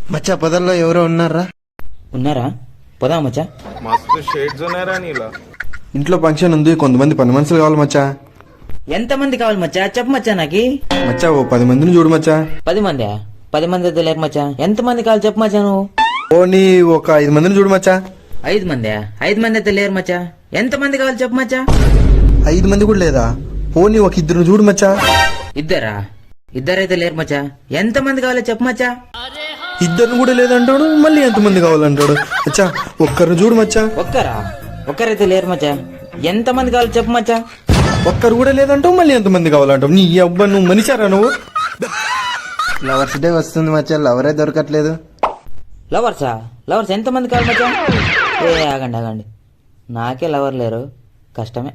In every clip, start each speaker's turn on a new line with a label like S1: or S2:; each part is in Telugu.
S1: మచ్చా పొదల్లో ఎవరో ఉన్నారా?
S2: ఉన్నారా? పోదా మచ్చా.
S3: మస్తు షేడ్స్ ఉన్నారా నీలా.
S1: ఇంట్లో ఫంక్షన్ ఉంది, కొంతమంది పని మనుషులు కావాలి మచ్చా.
S2: ఎంతమంది కావాలి మచ్చా? చెప్పు మచ్చా నాకి.
S1: మచ్చా ఓ 10 మందిని చూడు మచ్చా.
S2: 10 మంది? 10 మంది అయితే లేరు మచ్చా. ఎంతమంది కావాలి చెప్పు మచ్చా నువ్వు.
S1: ఓ ఒక 5 మందిని చూడు మచ్చా.
S2: 5 మంది? 5 మంది అయితే లేరు మచ్చా. ఎంతమంది కావాలి చెప్పు మచ్చా.
S1: 5 మంది కూడా లేదా? పోనీ ఒక 2 చూడు మచ్చా.
S2: ఇద్దరా? ఇద్దరైతే లేరు మచ్చా. ఎంతమంది కావాలి చెప్పు మచ్చా.
S1: 2 కూడా లేదంటాడు, మళ్ళీ ఎంతమంది కావాలంటాడు. మచ్చా ఒక్కరు చూడు మచ్చా.
S2: ఒక్కరా? ఒక్కరైతే లేరు మచ్చా. ఎంతమంది కావాలి చెప్పు మచ్చా.
S1: ఒక్కరు కూడా లేదంటావు, మళ్ళీ ఎంతమంది కావాలంటావు. నీ అబ్బా నువ్వు మనిషారా నువ్వు? లవర్స్ డే వస్తుంది మచ్చా, లవరే దొరకట్లేదు.
S2: లవర్సా? లవర్స్ ఎంతమంది కావాలి మచ్చా? ఆగండి ఆగండి, నాకే లవర్ లేరు, కష్టమే.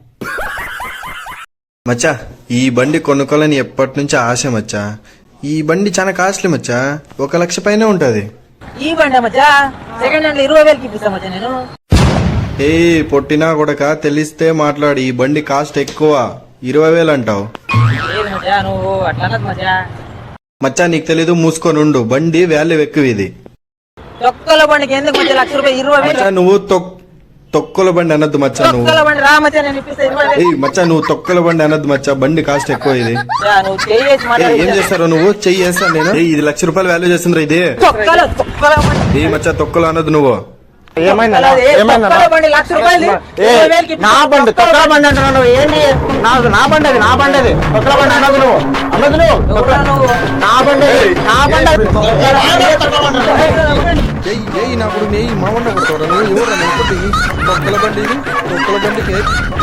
S1: మచ్చా ఈ బండి కొనుక్కోవాలని ఎప్పటి నుంచి ఆశ మచ్చా. ఈ బండి చాలా కాస్ట్లీ మచ్చా, 1 లక్ష పైనే ఉంటది.
S2: ఈ బండి మచ్చా సెకండ్ హ్యాండ్ 20,000కి ఇప్పిస్తా మచ్చా నేను.
S1: ఏ పొట్టినా కొడక తెలిస్తే మాట్లాడు. ఈ బండి కాస్ట్ ఎక్కువ, 20,000 అంటావు.
S2: నువ్వు అట్లా మచ్చా.
S1: మచ్చా నీకు తెలీదు, మూసుకొని ఉండు. బండి వాల్యూ ఎక్కువ ఇది.
S2: తొక్కల బండికి ఎందుకు మచ్చా 1 లక్ష రూపాయలు? 20,000
S1: మచ్చా నువ్వు తొక్కల బండి అనద్దు మచ్చా. నువ్వు
S2: తొక్కల బండి రా మచ్చా, నేను ఇప్పిస్తా 20,000.
S1: మచ్చా నువ్వు తొక్కల బండి అనద్దు మచ్చా, బండి కాస్ట్ ఎక్కువ ఇది.
S2: నువ్వు చెయ్యేసి
S1: ఏం చేస్తారో నువ్వు? చెయ్యి వేస్తాను నేను. ఇది 1 లక్ష రూపాయలు వాల్యూ చేస్తుందిరా ఇది. ఏ మచ్చా తొక్కలు అనద్దు నువ్వు.
S4: నా బండి తొక్కల బండి అంటున్నావు ఏంటి? నా బండి అది, నా బండి అది. తొక్కల బండి అన్నది నువ్వు, అన్నది నువ్వు. నా బండి నా బండి
S1: నాకు నెయ్యి మా వండ కొడతారా నువ్వు? ఎవరు తొక్కల బండి ఇది? తొక్కల బండికి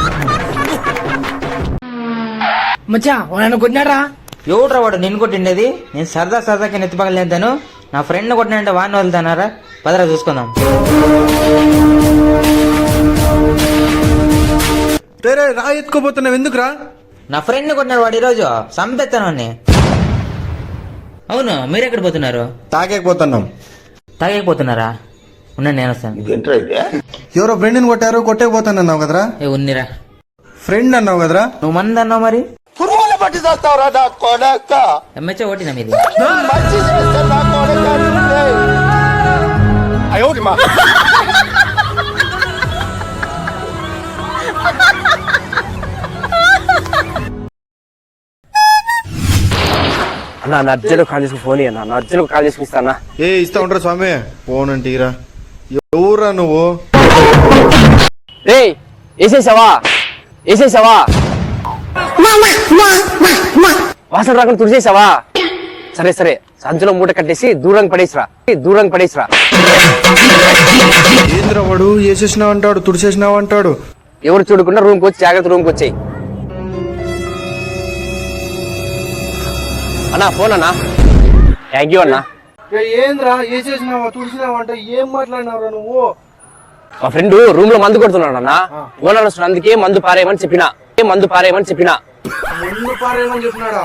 S2: మచ్చా వాడు కొట్టినారా? ఎవడ్రా వాడు నిన్ను కొట్టిండేది? నేను సరదాకి నెత్తి పగలేదాను. నా ఫ్రెండ్ కొట్టినంటే వాడిని వదులుతానారా? పదరా చూసుకుందాం.
S1: రా ఎత్తుకోపోతున్నావు ఎందుకురా?
S2: నా ఫ్రెండ్ కొట్టినాడు వాడు, ఈరోజు సంపెత్తాను. అవును, మీరెక్కడ పోతున్నారు?
S1: తాగేకపోతున్నాం.
S2: తాగేకపోతున్నారా? ఉన్నాను, నేను వస్తాను.
S1: ఎవరో ఫ్రెండ్ని కొట్టారు, కొట్టేకపోతానన్నావు కదరా?
S2: ఉన్నిరా.
S1: ఫ్రెండ్ అన్నావు కదరా?
S2: నువ్వు మంది అన్నావు మరి.
S4: పురుగులు పట్టి చేస్తావురా నా కొడక.
S2: ఎంఎచ్చ ఓటినా మీది?
S4: మంచి చేస్తా నా కొడక. అయ్యోమా అన్నా నా అర్జెంట్ కాల్ చేసుకుని ఫోన్ ఇయ్యన్నా. నా అర్జెంట్ కాల్ చేసుకుని ఇస్తానా?
S1: ఇస్తా ఉంటారా స్వామి? ఫోన్ అంటే ఇరా. ఎవరా నువ్వు?
S4: వేసేసావా? వేసేసావా? వాసన రాకుండా తుడిచేసావా? సరే సరే, సంచులో మూట కట్టేసి దూరం పడేసిరా.
S1: ఏంద్రా వాడు వేసేసినావు అంటాడు, తుడిచేసినావు అంటాడు.
S4: ఎవరు చూడకుండా రూమ్కి వచ్చి జాగ్రత్త రూమ్కి వచ్చాయి. అన్నా ఫోన్ అన్నా. థ్యాంక్ యూ అన్నా.
S1: ఏంద్రా వేసేసినావా తుడిచినావా అంటే ఏం మాట్లాడినావురా నువ్వు?
S4: మా ఫ్రెండ్ రూమ్ లో మందు కొడుతున్నాడు అన్న. ఓనర్ వస్తున్నాడు, అందుకే మందు పారేయమని చెప్పినా.
S1: ముందు పారేమని చెప్పినాడా?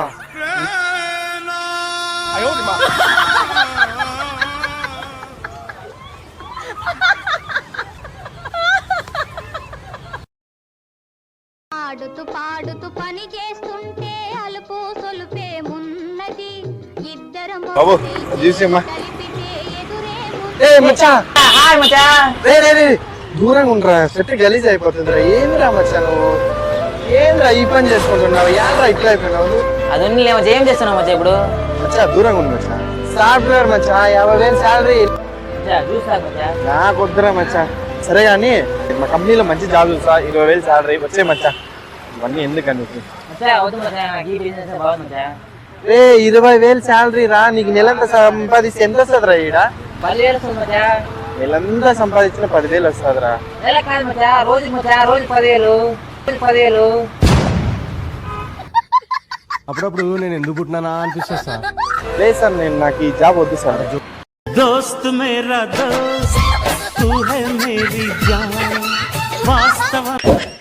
S5: పాడుతూ పాడుతూ పని చేస్తుంటే అలుపు సొలుపేమున్నది. ఇద్దరం
S1: దూరంగా ఉండరా, సెట్ గలీజ్ అయిపోతుందిరా. ఏంద్రా మచ్చా నువ్వు? ఏంద్రా ఈ పని చేసుకుంటున్నావు? ఏంద్రా ఇట్లా అయిపోయినావు?
S2: అది ఏం చేస్తున్నావు మచ్చా ఇప్పుడు?
S1: మచ్చా దూరంగా ఉంది మచ్చా. సాఫ్ట్వేర్ మచ్చా, 50,000 శాలరీ. నాకు వద్దురా మచ్చా. సరే కానీ మా కంపెనీలో మంచి జాబ్ చూసా, 20,000 శాలరీ వచ్చే మచ్చా. ఇవన్నీ ఎందుకని 20,000 శాలరీ రా. నీకు నెలంతా సంపాదిస్తే ఎంత వస్తుంది రా? ఈడ నెలంతా సంపాదించిన 10,000 వస్తుందిరా.
S3: అప్పుడప్పుడు నేను ఎందుకు పుట్టినానా అనిపిస్తుంది సార్.
S1: లేదు సార్, నాకు ఈ జాబ్ వద్దు సార్.
S6: దోస్త్ మేరా దోస్త్ తూ హై మేరీ జాన్ వాస్తవ